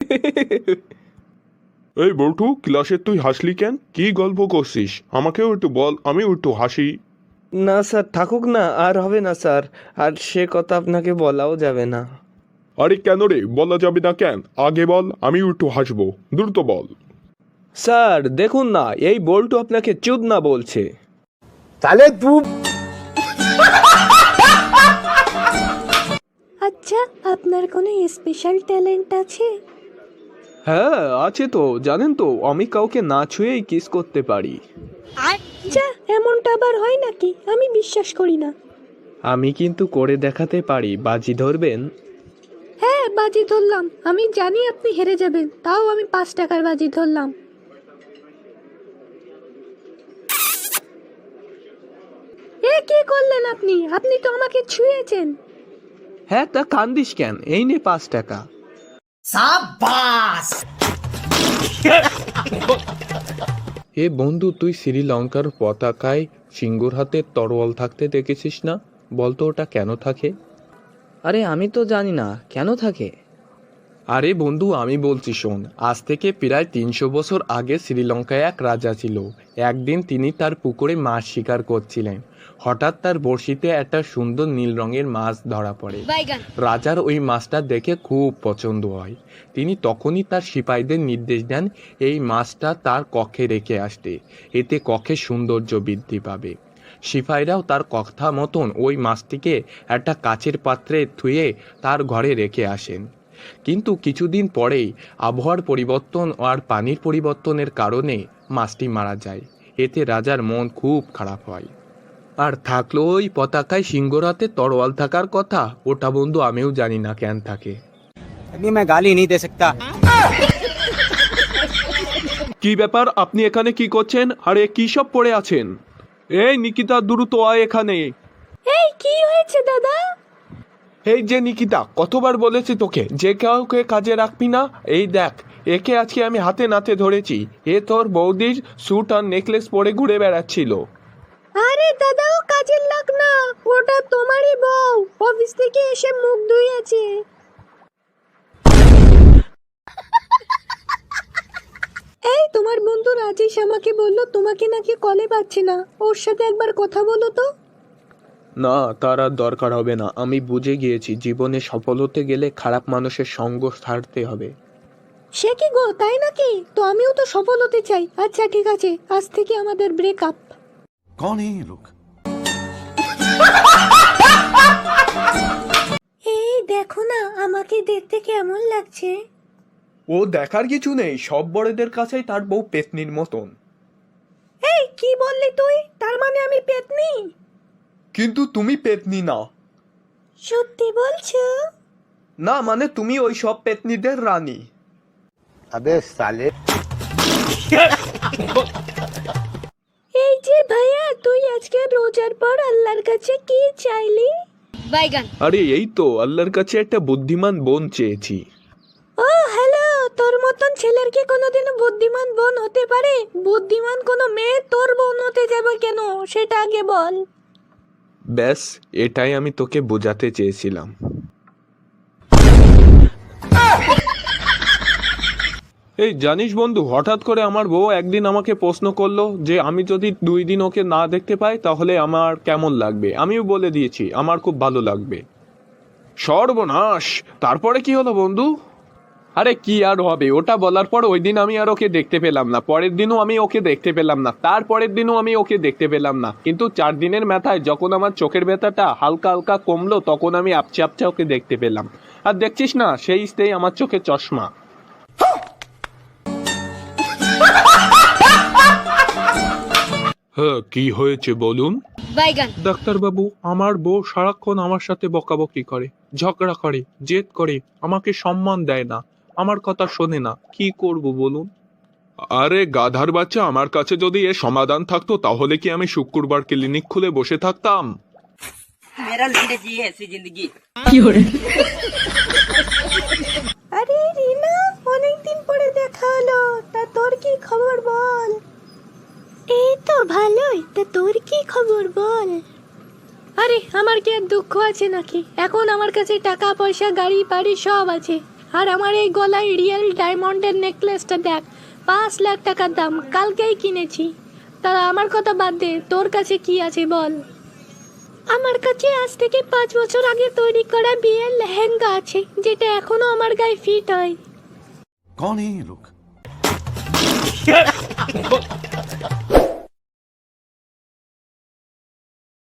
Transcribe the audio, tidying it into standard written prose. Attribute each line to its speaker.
Speaker 1: এই বল্টু, ক্লাসে তুই হাসলি কেন? কি গল্প করছিস? আমাকেও একটু বল, আমিও একটু হাসি।
Speaker 2: না স্যার, থাকুক না, আর হবে না স্যার, আর সে কথা আপনাকে বলাও যাবে না।
Speaker 1: আরে কেন রে, বলা যাবে না কেন? আগে বল, আমিও একটু হাসবো, দ্রুত বল।
Speaker 2: স্যার দেখুন না, এই বল্টু আপনাকে চুদ না বলছে।
Speaker 3: তাহলে তুই
Speaker 4: আচ্ছা, আপনার কোনো স্পেশাল ট্যালেন্ট আছে?
Speaker 2: হ্যাঁ আছে তো, জানেন তো, আমি কাউকে না ছুঁয়েই কিস করতে পারি।
Speaker 4: আচ্ছা, এমনটা আবার হয় নাকি? আমি বিশ্বাস করি না।
Speaker 2: আমি কিন্তু করে দেখাতে পারি, বাজি ধরবেন?
Speaker 4: হ্যাঁ, বাজি ধরলাম। আমি জানি আপনি হেরে যাবেন, তাও আমি 5 টাকার বাজি ধরলাম। এ কি করলেন আপনি? আপনি তো আমাকে ছুঁয়েছেন।
Speaker 2: হ্যাঁ, তা কান্দিস কেন? এই নে 5 টাকা। এ বন্ধু, তুই শ্রীলঙ্কার পতাকায় সিংহর হাতে তরোয়াল থাকতে দেখেছিস না? বলতো ওটা কেন থাকে?
Speaker 5: আরে আমি তো জানি না, কেন থাকে?
Speaker 2: আরে বন্ধু, আমি বলছি শোন। আজ থেকে প্রায় 300 বছর আগে শ্রীলঙ্কায় এক রাজা ছিল। একদিন তিনি তার পুকুরে মাছ শিকার করছিলেন। হঠাৎ তার বড়শিতে একটা সুন্দর নীল রঙের মাছ ধরা পড়ে। রাজার ওই মাছটা দেখে খুব পছন্দ হয়। তিনি তখনই তার সিপাহীদের নির্দেশ দেন এই মাছটা তার কক্ষে রেখে আসতে, এতে কক্ষে সৌন্দর্য বৃদ্ধি পাবে। সিপাহীরাও তার কথা মতন ওই মাছটিকে একটা কাচের পাত্রে ধুয়ে তার ঘরে রেখে আসেন। কিন্তু কিছুদিন পরেই আবহাওয়ার পরিবর্তন আর পানির পরিবর্তনের কারণে মাছটি মারা যায়। এতে রাজার মন খুব খারাপ হয়। আর থাকলো ওই পতাকায় সিংহর হাতে তরোয়াল থাকার কথা, ওটা বন্ধু আমিও জানি না কেন থাকে।
Speaker 3: अभी मैं गाली नहीं दे सकता।
Speaker 2: কি ব্যাপার, আপনি এখানে কি করছেন? আরে কি সব পড়ে আছেন? এই নিকিতা, দ্রুত আয় এখানে।
Speaker 4: এই কি হয়েছে দাদা?
Speaker 2: এই যে নিকিতা, কতবার বলেছি তোকে যে কাউকে কাজে রাখবি না? এই দেখ, একে আজকে আমি হাতে নাতে ধরেছি। এ তোর বৌদির স্যুট আর নেকলেস পরে ঘুরে বেড়াচ্ছিল।
Speaker 4: আরে দাদা, ও কাজের লোক না, ওটা তোমারই বউ। অফিস থেকে এসে মুখ ধুইয়েছে। এই তোমার বন্ধু রাজেশ আমাকে বললো তোমাকে নাকি কলে পাচ্ছে না, ওর সাথে একবার কথা বলো তো।
Speaker 2: না, তার আর দরকার হবে না। আমি বুঝে গিয়েছি, জীবনে সফল হতে গেলে খারাপ মানুষের সঙ্গ ছাড়তে হবে।
Speaker 4: সে কি গো, তাই নাকি? তো আমিও তো সফল হতে চাই। আচ্ছা ঠিক আছে, আজ থেকে আমাদের ব্রেকআপ।
Speaker 6: कौन है ये लोग?
Speaker 4: এই দেখো না, আমাকে দেখতে কেমন লাগছে।
Speaker 2: ও দেখার কিছু নেই, সব বড়দের কাছেই তার বউ পেতনির মতন।
Speaker 4: এই কি বললি তুই? তার মানে আমি পেতনি?
Speaker 2: কিন্তু তুমি পেতনি না।
Speaker 4: সত্যি বলছো?
Speaker 2: না মানে তুমি ওই সব পেতনিদের রানী।
Speaker 3: अबे साले।
Speaker 4: এই যে ভাইয়া, তুই আজকে রোজার পর আল্লাহর কাছে কি চাইলি?
Speaker 2: আরে এই তো, আল্লাহর কাছে একটা বুদ্ধিমান বোন চেয়েছি।
Speaker 4: ও হ্যালো, তোর মতন ছেলের কি কোনোদিনও বুদ্ধিমান বোন হতে পারে? বুদ্ধিমান কোনো মেয়ে তোর বোন হতে যাবে কেন, সেটা আগে বল।
Speaker 2: ব্যাস, এটাই আমি তোকে বোঝাতে চেয়েছিলাম। এই জানিস বন্ধু, হঠাৎ করে আমার বউ একদিন আমাকে প্রশ্ন করলো যে আমি যদি 2 দিন ওকে না দেখতে পাই তাহলে আমার কেমন লাগবে। আমিও বলে দিয়েছি আমার খুব ভালো লাগবে। সর্বনাশ! তারপরে কি হলো বন্ধু? আরে কি আর হবে, ওটা বলার পর ওই দিন আমি আর ওকে দেখতে পেলাম না, পরের দিনও আমি ওকে দেখতে পেলাম না, তারপরের দিনও আমি ওকে দেখতে পেলাম না। কিন্তু 4 দিনের মাথায় যখন আমার চোখের ব্যথাটা হালকা হালকা কমলো, তখন আমি আপচে আপচে ওকে দেখতে পেলাম। আর দেখছিস না, সেই স্টেই আমার চোখে চশমা। হ্যাঁ, কি হয়েছে বলুন? ডাক্তারবাবু, আমার বউ সারাক্ষণ আমার সাথে বকাবকি করে, ঝগড়া করে, জেদ করে, আমাকে সম্মান দেয় না, আমার কথা শোনে না। কি করব বলুন? আরে গাধার বাচ্চা, আমার কাছে যদি এর সমাধান থাকতো তাহলে কি আমি শুক্রবার ক্লিনিক খুলে বসে থাকতাম?
Speaker 4: আরে রিনা, অনেকদিন পরে দেখা হলো, তা তোর কি খবর বল? এই তো ভালোই, তা তোর কি খবর বল? আরে আমার কি আর দুঃখ আছে নাকি? এখন আমার কাছে টাকা পয়সা গাড়ি বাড়ি সব আছে। আর আমার এই গলায় রিয়েল ডায়মন্ডের নেকলেসটা দেখ, 5 লাখ টাকার দাম, কালকেই কিনেছি। তা আমার কথা বাদ দে, তোর কাছে কি আছে বল। আমার কাছে আজ থেকে 5 বছর আগে তৈরি করা বিয়ের লেহেঙ্গা আছে, যেটা এখনো আমার গায়ে ফিট হয়।
Speaker 6: कौन है ये लोग